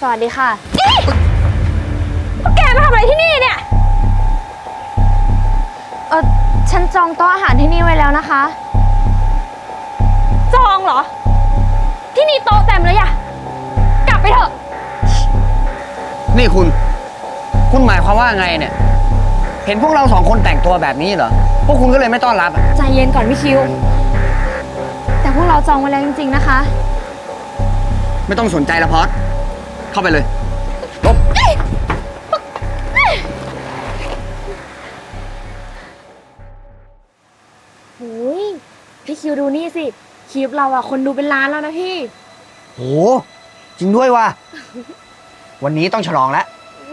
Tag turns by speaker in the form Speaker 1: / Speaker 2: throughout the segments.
Speaker 1: สวัสดีค่ะแกมาทำอะไรที่นี่เนี่ยฉันจองโต๊ะอาหารที่นี่ไว้แล้วนะคะจองเหรอที่นี่โต๊ะเต็มเลยอะกลับไปเถอะ
Speaker 2: นี่คุณหมายความว่าไงเนี่ยเห็นพวกเรา2 คนแต่งตัวแบบนี้เหรอพวกคุณก็เลยไม่ต้อนรับ
Speaker 1: ใจเย็นก่อนพี่คิวแต่พวกเราจองไว้แล้วจริงๆนะคะ
Speaker 2: ไม่ต้องสนใจละพอดเข้าไปเลยลบ
Speaker 1: โอ้ยพี่คิวดูนี่สิคลิปเราอะคนดูเป็นล้านแล้วนะพี่
Speaker 2: โหจริงด้วยว่ะวันนี้ต้องฉลองแล้ว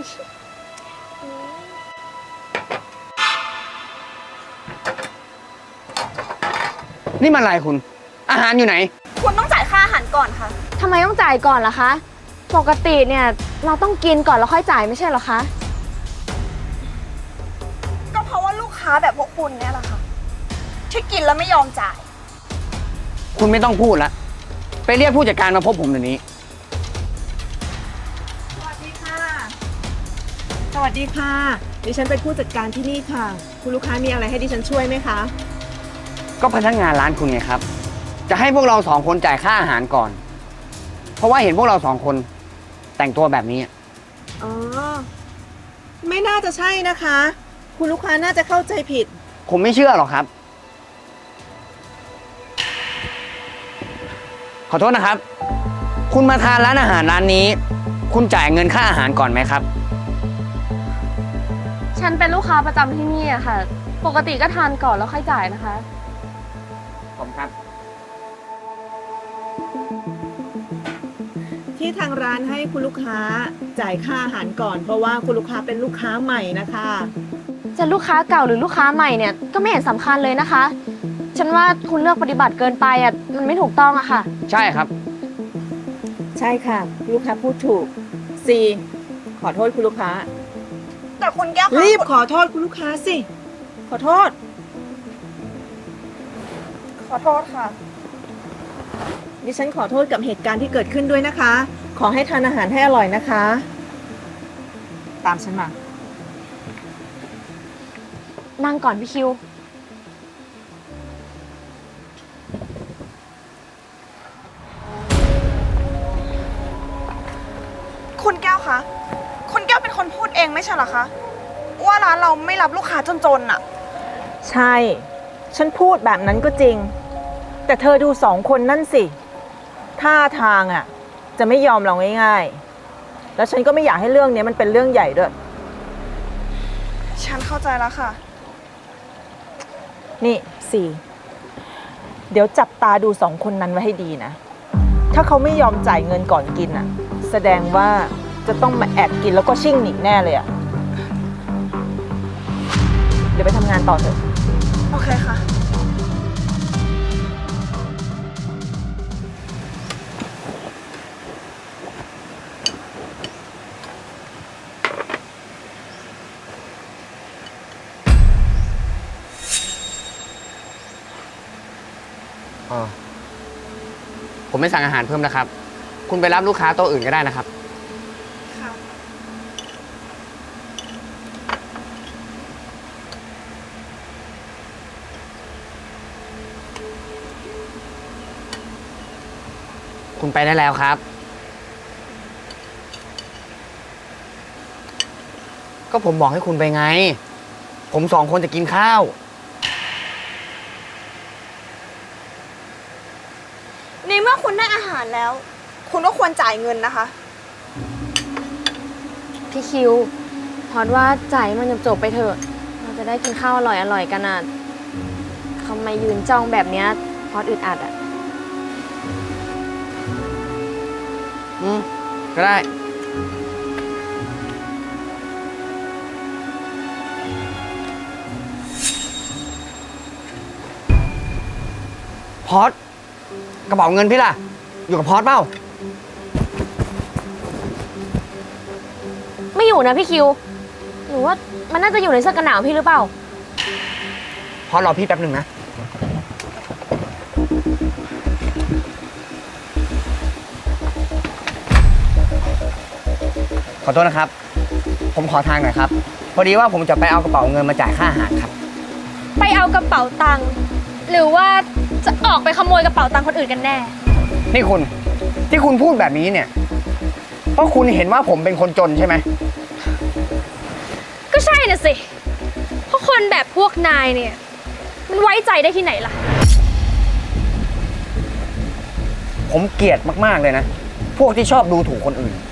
Speaker 2: นี่มันอะไรคุณอาหารอยู่ไหน
Speaker 3: คุณต้องจ่ายค่าอาหารก่อนค่ะ
Speaker 1: ทำไมต้องจ่ายก่อนล่ะคะปกติเนี่ยเราต้องกินก่อนแล้วค่อยจ่ายไม่ใช่เหรอคะ
Speaker 3: ก็เพราะว่าลูกค้าแบบพวกคุณเนี่ยแหละค่ะที่กินแล้วไม่ยอมจ่าย
Speaker 2: คุณไม่ต้องพูดละไปเรียกผู้จัดการมาพบผมเดี๋ยวนี้
Speaker 4: สวัสดีค่ะสวัสดีค่ะดิฉันเป็นผู้จัดการที่นี่ค่ะคุณลูกค้ามีอะไรให้ดิฉันช่วยไหมคะ
Speaker 2: ก็พนักงานร้านคุณไงครับจะให้พวกเรา2 คนจ่ายค่าอาหารก่อนเพราะว่าเห็นพวกเรา2 คนแต่งตัวแบบนี้
Speaker 4: อ๋อไม่น่าจะใช่นะคะคุณลูกค้าน่าจะเข้าใจผิด
Speaker 2: ผมไม่เชื่อหรอกครับขอโทษนะครับคุณมาทานร้านอาหารร้านนี้คุณจ่ายเงินค่าอาหารก่อนไหมครับ
Speaker 1: ฉันเป็นลูกค้าประจำที่นี่อะค่ะปกติก็ทานก่อนแล้วค่อยจ่ายนะคะ
Speaker 2: ผมครับ
Speaker 4: ที่ทางร้านให้คุณลูกค้าจ่ายค่าอาหารก่อนเพราะว่าคุณลูกค้าเป็นลูกค้าใหม่นะคะ
Speaker 1: จะลูกค้าเก่าหรือลูกค้าใหม่เนี่ยก็ไม่เห็นสำคัญเลยนะคะฉันว่าคุณเลือกปฏิบัติเกินไปอะมันไม่ถูกต้องอะค่ะ
Speaker 2: ใช่ครับ
Speaker 4: ใช่ค่ะลูกค้าพูดถูกซีขอโทษคุณลูกค้า
Speaker 3: แต่คุณแก้ว
Speaker 4: รีบขอโทษคุณลูกค้าสิขอโทษ
Speaker 3: ค่ะ
Speaker 4: ดิฉันขอโทษกับเหตุการณ์ที่เกิดขึ้นด้วยนะคะขอให้ทานอาหารให้อร่อยนะคะตามฉันมา
Speaker 1: นั่งก่อนพี่คิว
Speaker 3: คุณแก้วคะคุณแก้วเป็นคนพูดเองไม่ใช่เหรอคะว่าร้านเราไม่รับลูกค้าจนๆอะ
Speaker 4: ใช่ฉันพูดแบบนั้นก็จริงแต่เธอดู2 คนนั่นสิท่าทางอ่ะจะไม่ยอมเราง่ายๆแล้วฉันก็ไม่อยากให้เรื่องนี้มันเป็นเรื่องใหญ่ด้วย
Speaker 3: ฉันเข้าใจแล้วค่ะ
Speaker 4: นี่สี่เดี๋ยวจับตาดู2 คนนั้นไว้ให้ดีนะถ้าเขาไม่ยอมจ่ายเงินก่อนกินอ่ะแสดงว่าจะต้องมาแอบกินแล้วก็ชิ่งหนีแน่เลยอ่ะเดี๋ยวไปทำงานต่อเถอะ
Speaker 3: โอเคค่ะ
Speaker 2: ผมไม่สั่งอาหารเพิ่มนะครับคุณไปรับลูกค้าโต๊ะอื่นก็ได้นะครับ
Speaker 3: ค่ะ
Speaker 2: คุณไปได้แล้วครับก็ผมบอกให้คุณไปไงผม2 คนจะกินข้าว
Speaker 3: ในเมื่อคุณได้อาหารแล้วคุณก็ควรจ่ายเงินนะคะ
Speaker 1: พี่คิวพอดว่าจ่ายมันจบไปเถอะเราจะได้กินข้าวอร่อยๆกันอ่ะทำไมยืนจ้องแบบเนี้ยพอดอึดอัดอ่ะ
Speaker 2: ก็ได้พอดกระเป๋าเงินพี่ล่ะอยู่กับพอดเปล่า
Speaker 1: ไม่อยู่นะพี่คิวหรือว่ามันน่าจะอยู่ในเสื้อกันหนาวพี่หรือเปล่า
Speaker 2: พอดรอพี่แป๊บหนึ่งนะ
Speaker 1: พ
Speaker 2: ขอโทษนะครับ ผมขอทางหน่อยครับ พอดีว่าผมจะไปเอากระเป๋าเงินมาจ่ายค่าอาหารครับ
Speaker 1: ไปเอากระเป๋าตังค์หรือว่าจะออกไปขโมยกระเป๋าตังค์คนอื่นกันแน่
Speaker 2: นี่คุณที่คุณพูดแบบนี้เนี่ย เพราะคุณเห็นว่าผมเป็นคนจนใช่ไหม
Speaker 1: ก็ใช่น่ะสิ เพราะคนแบบพวกนายเนี่ย มันไว้ใจได้ที่ไหนล่ะ
Speaker 2: ผมเกลียดมากๆเลยนะ พวกที่ชอบดูถูกคนอื่น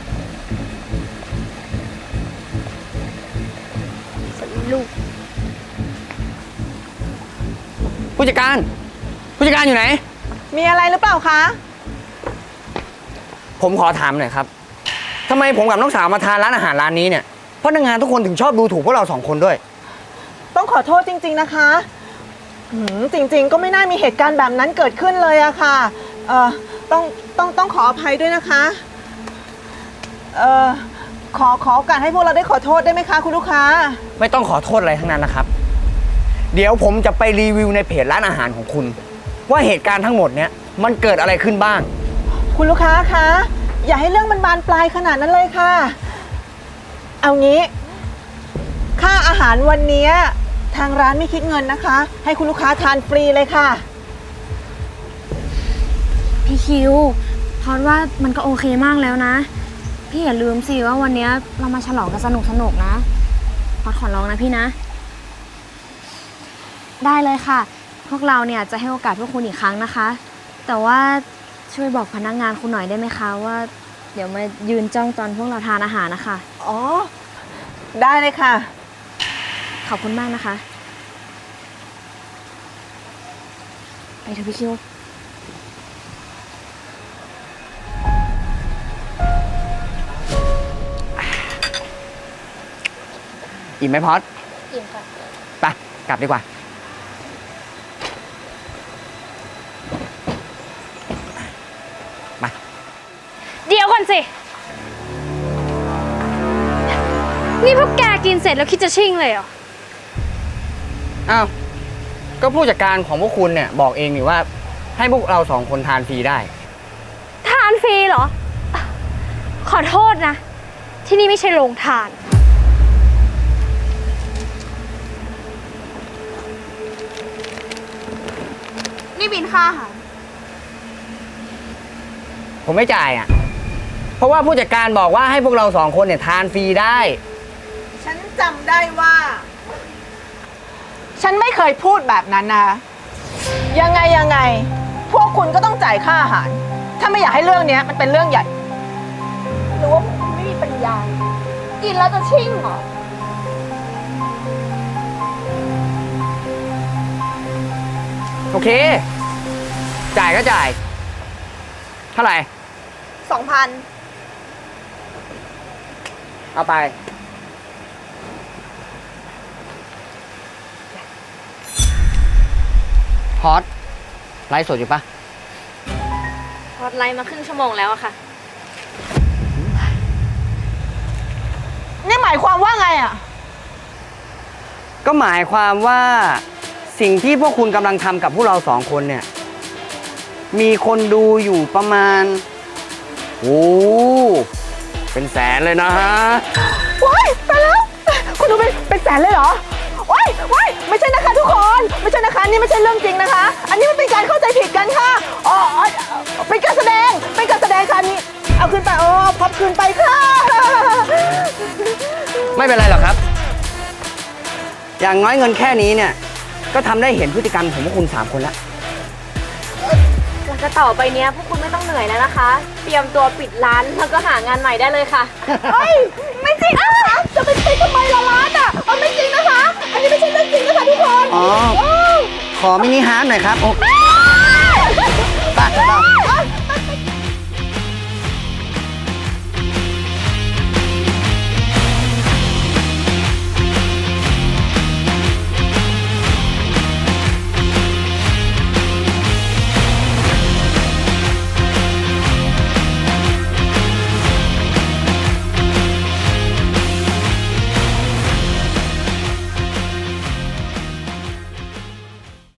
Speaker 1: ลูก
Speaker 2: ผู้จัดการอยู่ไหน
Speaker 4: มีอะไรหรือเปล่าคะ
Speaker 2: ผมขอถามหน่อยครับทำไมผมกับน้องสาวมาทานร้านอาหารร้านนี้เนี่ยพนักงานทุกคนถึงชอบดูถูกพวกเราสองคนด้วย
Speaker 4: ต้องขอโทษจริง ๆนะคะจริงๆ ก็ไม่น่ามีเหตุการณ์แบบนั้นเกิดขึ้นเลยอะค่ะต้องขออภัยด้วยนะคะขอโอกาสให้พวกเราได้ขอโทษได้ไหมคะคุณลูกค้า
Speaker 2: ไม่ต้องขอโทษอะไรทั้งนั้นนะครับ เดี๋ยวผมจะไปรีวิวในเพจร้านอาหารของคุณ ว่าเหตุการณ์ทั้งหมดเนี่ยมันเกิดอะไรขึ้นบ้าง
Speaker 4: คุณลูกค้าคะอย่าให้เรื่องมันบานปลายขนาดนั้นเลยค่ะ เอางี้ค่าอาหารวันนี้ทางร้านไม่คิดเงินนะคะ ให้คุณลูกค้าทานฟรีเลยค่ะ
Speaker 1: พี่คิวพอดว่ามันก็โอเคมากแล้วนะ พี่อย่าลืมสิว่าวันนี้เรามาฉลองกันสนุกนะพอดขอร้องนะพี่นะ ได้เลยค่ะ พวกเราเนี่ยจะให้โอกาสพวกคุณอีกครั้งนะคะ แต่ว่าช่วยบอกพนักงานคุณหน่อยได้ไหมคะว่าเดี๋ยวมายืนจ้องตอนพวกเราทานอาหารนะคะ
Speaker 4: อ๋อ ได้เลยค่ะ
Speaker 1: ขอบคุณมากนะคะ ไปเถอะพี่คิว
Speaker 2: อิ่มไหมพอด
Speaker 1: อิ่มค่ะ
Speaker 2: ไปกลับดีกว่ามา
Speaker 1: เดี๋ยวก่อนสิ นี่พวกแกกินเสร็จแล้วคิดจะชิ่งเลยเหรอ
Speaker 2: อ้าวก็ผู้จัดการของพวกคุณเนี่ยบอกเองนี่ว่าให้พวกเราสองคนทานฟรีได้
Speaker 1: ทานฟรีเหรอ ขอโทษนะ ที่นี่ไม่ใช่โรงทาน
Speaker 3: นี่บินค่าอาหาร
Speaker 2: ผมไม่จ่ายอ่ะ เพราะว่าผู้จัดการบอกว่าให้พวกเราสองคนเนี่ยทานฟรีได้
Speaker 4: ฉันจำได้ว่า ฉันไม่เคยพูดแบบนั้นนะ ยังไง พวกคุณก็ต้องจ่ายค่าอาหาร ถ้าไม่อยากให้เรื่องนี้มันเป็นเรื่องใหญ่
Speaker 1: หรือว่าพวกคุณไม่มีปัญญา กินแล้วจะชิ่งเหรอ
Speaker 2: โอเค จ่ายก็จ่าย เท่าไหร่
Speaker 3: 2,000
Speaker 2: เอาไป พอดไลฟ์สดอยู่ปะ
Speaker 1: พอดไลน์มาครึ่งชั่วโมงแล้วอะค่ะ
Speaker 4: นี่หมายความว่าไงอ่ะ
Speaker 2: ก็หมายความว่าสิ่งที่พวกคุณกำลังทำกับพวกเราสองคนเนี่ย มีคนดูอยู่ประมาณโอ้เป็นแสนเลยนะฮะ
Speaker 4: ว้ายไปแล้ว คุณดูเป็นแสนเลยเหรอว้ายไม่ใช่นะคะทุกคน ไม่ใช่นะคะนี่ไม่ใช่เรื่องจริงนะคะ อันนี้มันเป็นการเข้าใจผิดกันค่ะอ๋อเป็นการแสดงค่ะนี่เอาคืนไปพับคืนไปค่ะ
Speaker 2: ไม่เป็นไรหรอกครับ อย่างน้อยเงินแค่นี้เนี่ย ก็ทำได้เห็นพฤติกรรมของพวกคุณสามคนแล้ว
Speaker 1: หลังจากต่อไปเนี้ยพวกคุณไม่ต้องเหนื่อยแล้วนะคะ เตรียมตัวปิดร้านแล้วก็หางานใหม่ได้เลยค่ะ
Speaker 4: เฮ้ยไม่จริงนะคะจะไปทำไมละร้านอ่ะไม่จริงนะคะ อันนี้ไม่ใช่เรื่องจริงนะคะทุกคน
Speaker 2: อ๋อ ขอมินิฮาร์ทหน่อยครับโอ้
Speaker 4: อ้า